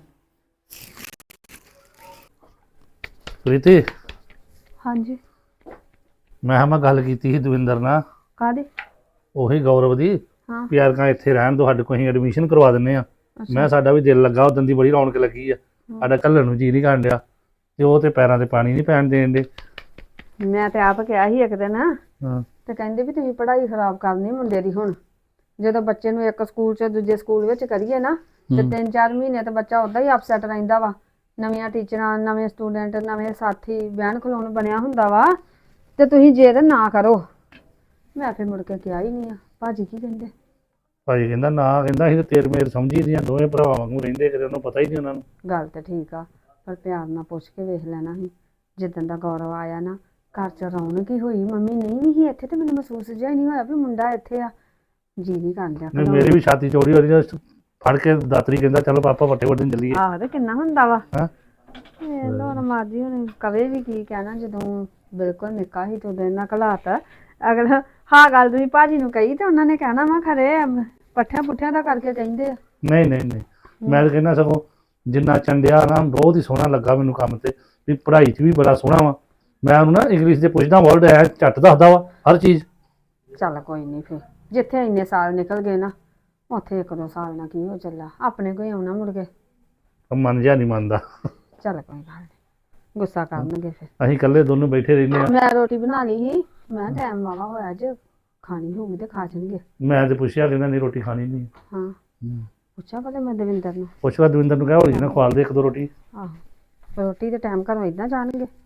E: ਪ੍ਰੀਤੀ,
B: ਹਾਂਜੀ।
E: ਮੈਂ ਕਿਹਾ ਮੈਂ ਗੱਲ ਕੀਤੀ ਸੀ ਦਵਿੰਦਰ ਨਾਲ,
B: ਕਾਹਦੀ?
E: ਉਹੀ ਗੌਰਵ ਦੀ,
B: ਹਾਂ।
E: ਵੀ ਯਾਰ ਇੱਥੇ ਰਹਿਣ ਦੋ, ਸਾਡੇ ਕੋਲ ਅਸੀਂ ਐਡਮਿਸ਼ਨ ਕਰਵਾ ਦਿੰਨੇ ਆ। ਮੈਂ ਸਾਡਾ ਵੀ ਦਿਲ ਲੱਗਾ, ਉਦੋਂ ਦੀ ਬੜੀ ਰੌਣਕ ਲੱਗੀ ਆ, ਸਾਡਾ ਘੱਲਣ ਨੂੰ ਜੀ ਨਹੀਂ ਕਰਨ ਡਿਆ, ਤੇ ਉਹ ਤੇ ਪੈਰਾਂ ਤੇ ਪਾਣੀ ਨਹੀਂ ਪੈਣ ਦੇਣ ਦੇ।
B: ਮੈਂ ਤੇ ਆਪ ਕਿਹਾ ਸੀ ਇੱਕ ਦਿਨ,
E: ਹਾਂ
B: ਤੇ ਕਹਿੰਦੇ ਵੀ ਤੁਸੀਂ ਪੜ੍ਹਾਈ ਖਰਾਬ ਕਰਨੀ ਮੁੰਡੇ ਦੀ। ਹੁਣ ਜਦੋਂ ਬੱਚੇ ਨੂੰ ਇੱਕ ਸਕੂਲ 'ਚ ਦੂਜੇ ਸਕੂਲ ਵਿੱਚ ਕਰੀਏ ਨਾ, ਤੇ 3-4 ਮਹੀਨੇ ਤੇ ਬੱਚਾ ਉਦਾਂ ਹੀ ਅਪਸੈਟ ਰਹਿੰਦਾ ਵਾ। ਨਵੀਆਂ ਟੀਚਰਾਂ, ਨਵੇਂ ਸਟੂਡੈਂਟ, ਨਵੇਂ ਸਾਥੀ, ਬਹਿਣ ਖਲੋਣ ਬਣਿਆ ਹੁੰਦਾ ਵਾ, ਤੇ ਤੁਸੀਂ ਜੇ ਤੇ ਨਾ ਕਰੋ। ਮੈਂ ਫਿਰ ਮੁੜ ਕੇ ਕਿਹਾ ਹੀ ਨਹੀਂ ਆ। ਭਾਜੀ ਕੀ ਕਹਿੰਦੇ?
E: ਭਾਜੀ ਕਹਿੰਦਾ ਨਾ, ਕਹਿੰਦਾ ਅਸੀਂ ਤੇ ਤੇਰ ਮੇਰ ਸਮਝੀ ਦੀਆਂ, ਦੋਵੇਂ ਭਰਾਵਾਂ ਵਾਂਗੂ ਰਹਿੰਦੇ, ਕਦੇ ਉਹਨੂੰ ਪਤਾ ਹੀ ਨਹੀਂ ਉਹਨਾਂ ਨੂੰ।
B: ਗੱਲ ਤੇ ਠੀਕ ਆ, ਪਰ ਪਿਆਰ ਨਾਲ ਪੁੱਛ ਕੇ ਵੇਖ ਲੈਣਾ ਸੀ। ਜਿੱਦਣ ਦਾ ਗੌਰਵ ਆਇਆ ਨਾ, ਘਰ ਚ ਰੌਣਕ ਹੀ ਹੋਈ। ਮੰਮੀ ਨਹੀਂ ਵੀ ਇੱਥੇ ਤੇ ਮੈਨੂੰ ਮਹਿਸੂਸ ਜਿਹਾ ਹੀ ਨਹੀਂ ਹੋਇਆ ਵੀ ਮੁੰਡਾ ਇੱਥੇ ਆ। ਜੀ ਨਹੀਂ ਕਰਦਾ
E: ਨਹੀਂ ਮੇਰੀ ਵੀ ਛਾਤੀ ਚੋਰੀ ਹੋ ਰਹੀ ਹੈ, ਫੜ ਕੇ ਦਾਤਰੀ ਕਹਿੰਦਾ ਚਲੋ ਪਾਪਾ ਵੱਟੇ ਵੱਟੇ ਚੱਲੀਏ।
B: ਆਹ ਤੇ ਕਿੰਨਾ ਹੁੰਦਾ ਵਾ।
E: ਹੈਂ?
B: ਇਹ ਲੋਰ ਮਾਰਦੀ ਹੁਣ ਕਵੇ ਵੀ ਕੀ ਕਹਿਣਾ, ਜਦੋਂ ਬਿਲਕੁਲ ਨਿੱਕਾ ਹੀ ਤੋਂ ਇਹਨਾਂ ਘਲਾਤਾ। ਅਗਲਾ ਹਾਂ ਗੱਲ ਤੁਸੀਂ ਭਾਜੀ ਨੂੰ ਕਹੀ ਤੇ ਉਹਨਾਂ ਨੇ ਕਹਿਣਾ ਵਾ ਖਰੇ ਪੱਠਿਆਂ ਪੁੱਠਿਆਂ ਦਾ ਕਰਕੇ ਕਹਿੰਦੇ ਆ।
E: ਨਹੀਂ ਨਹੀਂ ਨਹੀਂ, ਮੈਂ ਤਾਂ ਕਹਿੰਦਾ ਸਗੋਂ ਜਿੰਨਾ ਚੰਡਿਆ ਨਾ ਬਹੁਤ ਹੀ ਸੋਹਣਾ ਲੱਗਾ ਮੈਨੂੰ ਕੰਮ ਤੇ, ਵੀ ਪੜ੍ਹਾਈ 'ਚ ਵੀ ਬੜਾ ਸੋਹਣਾ ਵਾ। ਮੈਂ ਉਹਨੂੰ ਨਾ ਇੰਗਲਿਸ਼ ਦੇ ਪੁੱਛਦਾ ਵਰਡ ਹੈ ਝੱਟ ਦੱਸਦਾ ਵਾ ਹਰ ਚੀਜ਼।
B: ਚੱਲ ਕੋਈ ਨਹੀਂ, ਫਿਰ ਜਿੱਥੇ ਇੰਨੇ ਸਾਲ ਨਿਕਲ ਗਏ ਨਾ ਉੱਥੇ 1-2 ਸਾਲ ਨਾਲ ਕੀ ਹੋ ਚੱਲਾ, ਆਪਣੇ ਕੋਈ ਆਉਣਾ ਮੁੜ ਕੇ।
E: ਮਨ ਜਿਹਾ ਨਹੀਂ ਮੰਨਦਾ।
B: ਚੱਲ ਕੋਈ ਗੱਲ ਨਹੀਂ, ਗੁੱਸਾ ਕਰਨਗੇ ਫਿਰ।
E: ਅਸੀਂ ਇਕੱਲੇ ਦੋਨੋਂ ਬੈਠੇ ਰਹਿੰਦੇ ਆ।
B: ਮੈਂ ਰੋਟੀ ਬਣਾ ਲਈ ਸੀ, ਮੈਂ ਟਾਈਮ ਵਾਲਾ ਹੋਇਆ ਅੱਜ, ਖਾਣੀ ਹੋਊਗੀ ਤੇ ਖਾ ਜਾਣਗੇ।
E: ਮੈਂ ਤੇ ਪੁੱਛਿਆ ਕਹਿੰਦਾ ਨਹੀਂ ਰੋਟੀ ਖਾਣੀ ਨਹੀਂ।
B: ਹਾਂ ਪੁੱਛਿਆ ਭਲੇ ਮੈਂ ਦਵਿੰਦਰ ਨੂੰ।
E: ਪੁੱਛਿਆ ਦਵਿੰਦਰ ਨੂੰ ਕਿਹਾ ਹੌਲੀ ਜਿਹੀ ਨਾ ਖਵਾਲ ਦੇ 1-2 ਰੋਟੀ।
B: ਆਹੋ ਰੋਟੀ ਦੇ ਟਾਈਮ ਘਰੋਂ ਏਦਾਂ ਜਾਣਗੇ।